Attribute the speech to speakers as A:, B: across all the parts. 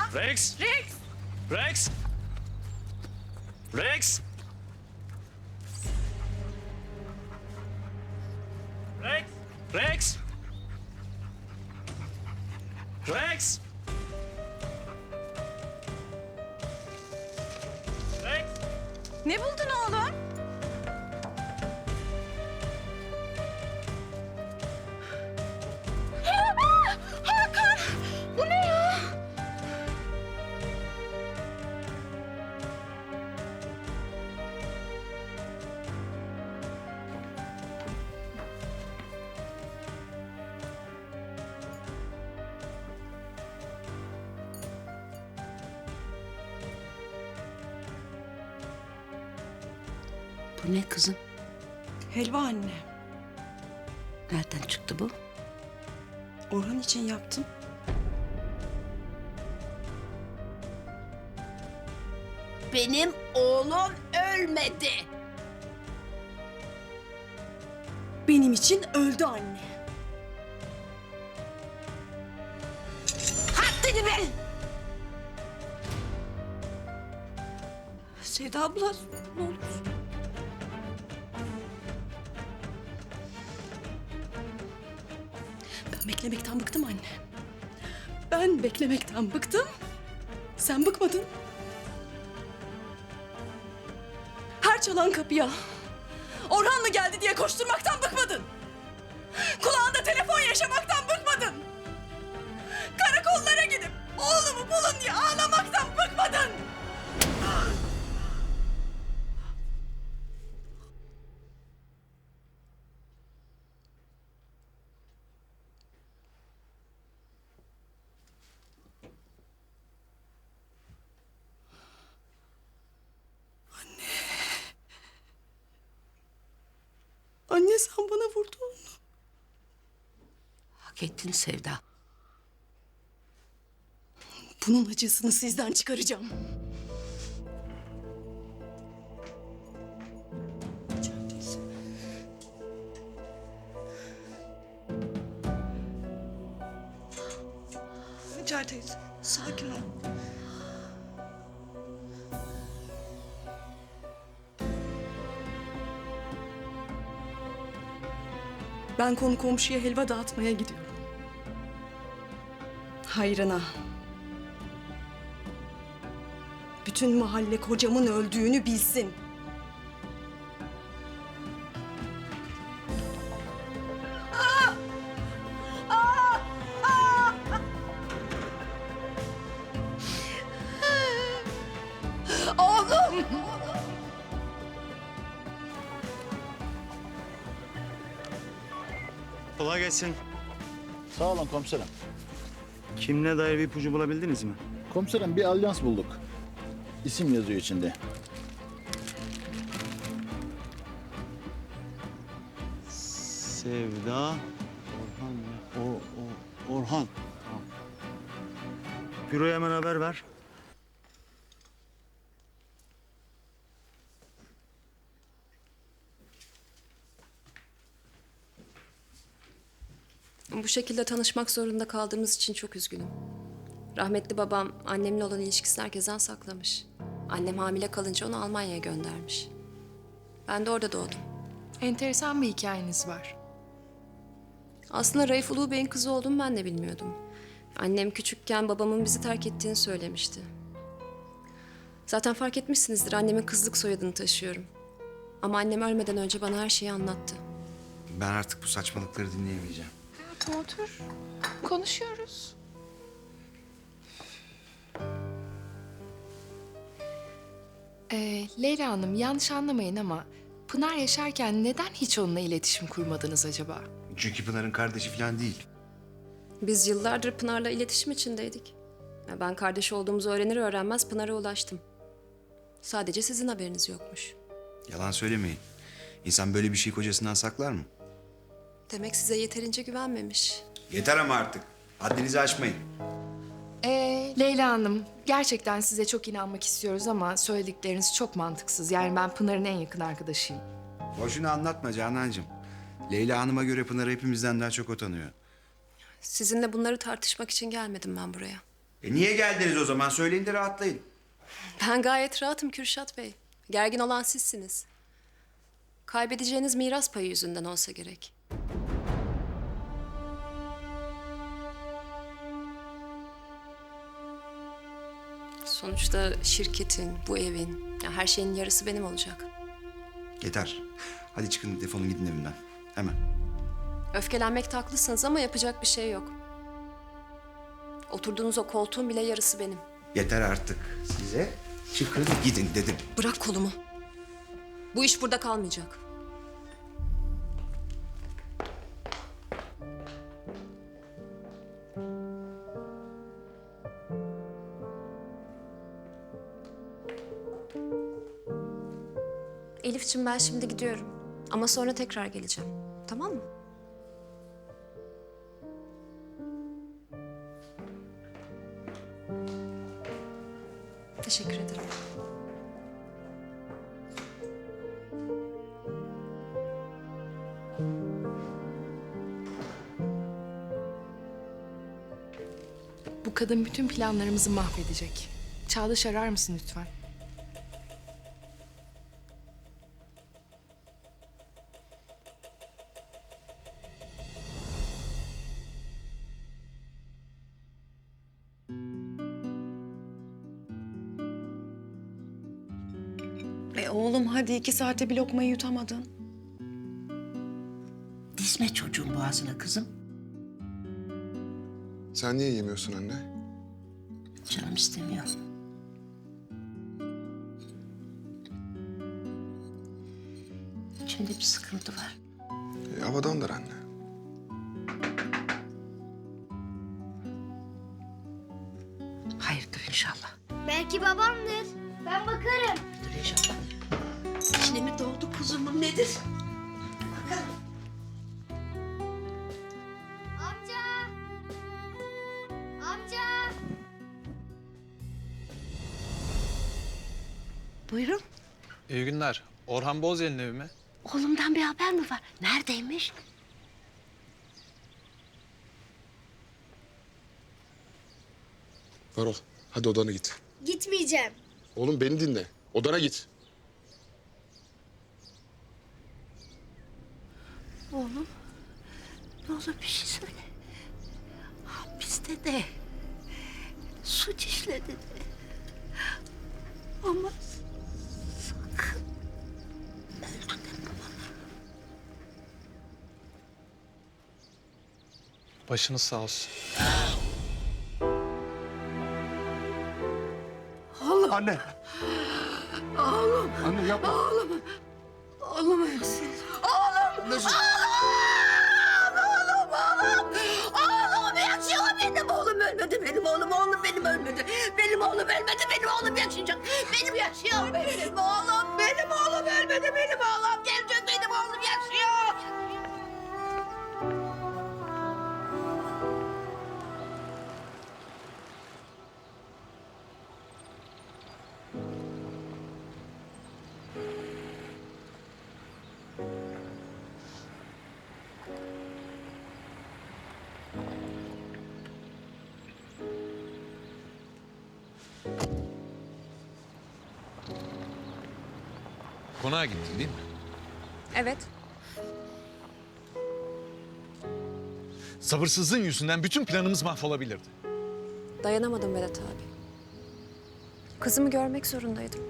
A: Rex!
B: Rex!
A: Rex! Rex! Rex! Rex! Rex! Rex!
B: Ne buldun oğlum? Hakan! Bu ne ya?
C: Bu ne kızım?
D: Helva anne.
C: Nereden çıktı bu?
D: Orhan için yaptım.
C: Benim oğlum ölmedi.
D: Benim için öldü anne.
C: Haddini bil.
D: Sevda abla ne olur. Ben beklemekten bıktım anne. Ben beklemekten bıktım. Sen bıkmadın. Her çalan kapıya Orhan mı geldi diye koşturmaktan bıkmadın. Kulağında telefon yaşamaktan bıkmadın. Karakollara gidip oğlumu bulun diye ağlamaktan bıkmadın. Anne sen bana vurdun.
C: Hak ettin Sevda.
D: Bunun acısını sizden çıkaracağım. Hacer teyze, sakin ol. Ben konu komşuya helva dağıtmaya gidiyorum. Hayrına. Bütün mahalle kocamın öldüğünü bilsin.
C: Oğlum.
A: Kolay gelsin.
E: Sağ olun komiserim.
A: Kimle dair bir ipucu bulabildiniz mi?
E: Komiserim bir alyans bulduk. İsim yazıyor içinde.
A: Sevda. Orhan ya. Orhan. Tamam. Büroya hemen haber ver.
F: Bu şekilde tanışmak zorunda kaldığımız için çok üzgünüm. Rahmetli babam annemle olan ilişkisini herkesten saklamış. Annem hamile kalınca onu Almanya'ya göndermiş. Ben de orada doğdum.
B: Enteresan bir hikayeniz var.
F: Aslında Raif Ulu Bey'in kızı olduğumu ben de bilmiyordum. Annem küçükken babamın bizi terk ettiğini söylemişti. Zaten fark etmişsinizdir, annemin kızlık soyadını taşıyorum. Ama annem ölmeden önce bana her şeyi anlattı.
G: Ben artık bu saçmalıkları dinleyemeyeceğim.
B: Hayatım otur. Konuşuyoruz. Leyla Hanım yanlış anlamayın ama Pınar yaşarken neden hiç onunla iletişim kurmadınız acaba?
G: Çünkü Pınar'ın kardeşi falan değil.
F: Biz yıllardır Pınar'la iletişim içindeydik. Ben kardeş olduğumuzu öğrenir öğrenmez Pınar'a ulaştım. Sadece sizin haberiniz yokmuş.
G: Yalan söylemeyin. İnsan böyle bir şey kocasından saklar mı?
F: Demek size yeterince güvenmemiş.
G: Yeter ama artık. Haddinizi aşmayın.
B: Leyla Hanım gerçekten size çok inanmak istiyoruz ama söyledikleriniz çok mantıksız. Yani ben Pınar'ın en yakın arkadaşıyım.
G: Boşuna anlatma Canancığım. Leyla Hanım'a göre Pınar hepimizden daha çok o tanıyor.
F: Sizinle bunları tartışmak için gelmedim ben buraya.
G: Niye geldiniz o zaman? Söyleyin de rahatlayın.
F: Ben gayet rahatım Kürşat Bey. Gergin olan sizsiniz. Kaybedeceğiniz miras payı yüzünden olsa gerek. Sonuçta şirketin, bu evin, ya her şeyin yarısı benim olacak.
G: Yeter. Hadi çıkın, defolun gidin evimden. Hemen.
F: Öfkelenmekte haklısınız ama yapacak bir şey yok. Oturduğunuz o koltuğun bile yarısı benim.
G: Yeter artık. Size çıkın gidin dedim.
F: Bırak kolumu. Bu iş burada kalmayacak. Elif'ciğim ben şimdi gidiyorum. Ama sonra tekrar geleceğim. Tamam mı? Teşekkür ederim.
B: Bu kadın bütün planlarımızı mahvedecek. Çağdaş arar mısın lütfen?
D: Oğlum hadi 2 saate bir lokmayı yutamadın.
C: Dizme çocuğun boğazına kızım.
H: Sen niye yemiyorsun anne?
C: Canım istemiyor. İçimde bir sıkıntı var.
H: Havadandır anne.
C: Hayırdır inşallah.
I: Belki babamdır. Ben bakarım.
C: Dur inşallah. İçine mi doğdu kuzumun nedir?
I: Amca! Amca!
C: Buyurun.
J: İyi günler. Orhan Bozyel'in evi mi?
C: Oğlumdan bir haber mi var? Neredeymiş?
H: Varol, hadi odana git.
I: Gitmeyeceğim.
H: Oğlum beni dinle. Odana git.
C: Oğlum. Ne olur bir şey söyle. Hapiste de. Suç işledi de. Ama sakın öldü deme bana.
J: Başınız sağ olsun.
H: Anne. Oğlum. Anne yapma.
C: Oğlum ölsün. Oğlum yaşıyor. Benim oğlum ölmedi. Benim oğlum benim ölmedi. Benim oğlum ölmedi. Benim oğlum yaşayacak. Benim yaşıyor. Benim oğlum. Benim oğlum ölmedi. Benim oğlum gelecek. Benim oğlum yaşıyor.
J: Konağa gittin değil mi?
F: Evet.
J: Sabırsızlığın yüzünden bütün planımız mahvolabilirdi.
F: Dayanamadım Vedat abi. Kızımı görmek zorundaydım.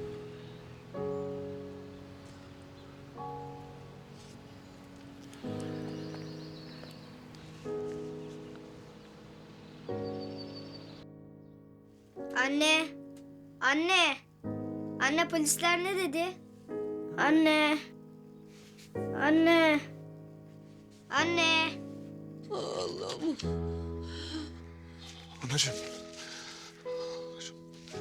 I: Anne! Anne! Anne polisler ne dedi? Anne! Anne! Anne!
H: Anacığım. Anacığım.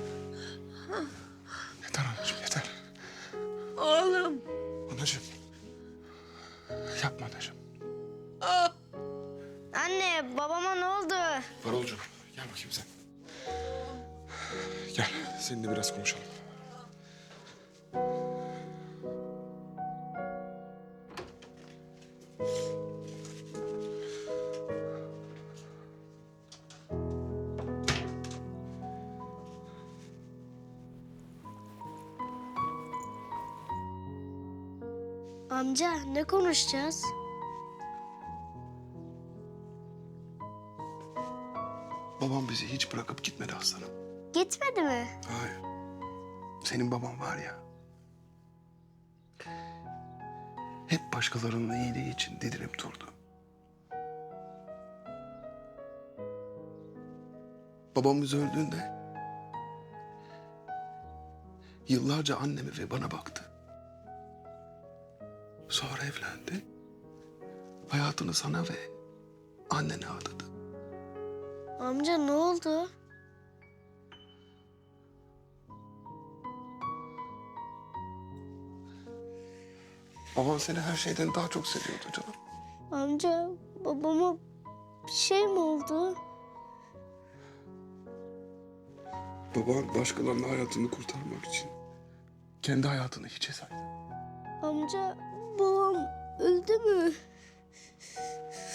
H: Yeter anacığım yeter.
C: Oğlum.
H: Anacığım. Yapma anacığım.
I: Anne babama ne oldu?
H: Varolcuğum gel bakayım sen. Gel seninle biraz konuşalım.
I: Amca ne konuşacağız?
H: Babam bizi hiç bırakıp gitmedi aslanım.
I: Gitmedi mi?
H: Hayır. Senin baban var ya. Hep başkalarının iyiliği için didinip durdu. Babamız öldüğünde yıllarca anneme ve bana baktı. Sonra evlendi. Hayatını sana ve annene adadı.
I: Amca ne oldu?
H: Baban seni her şeyden daha çok seviyordu canım.
I: Amca babama bir şey mi oldu?
H: Baban başkalarının hayatını kurtarmak için kendi hayatını hiçe saydı.
I: Amca babam öldü mü?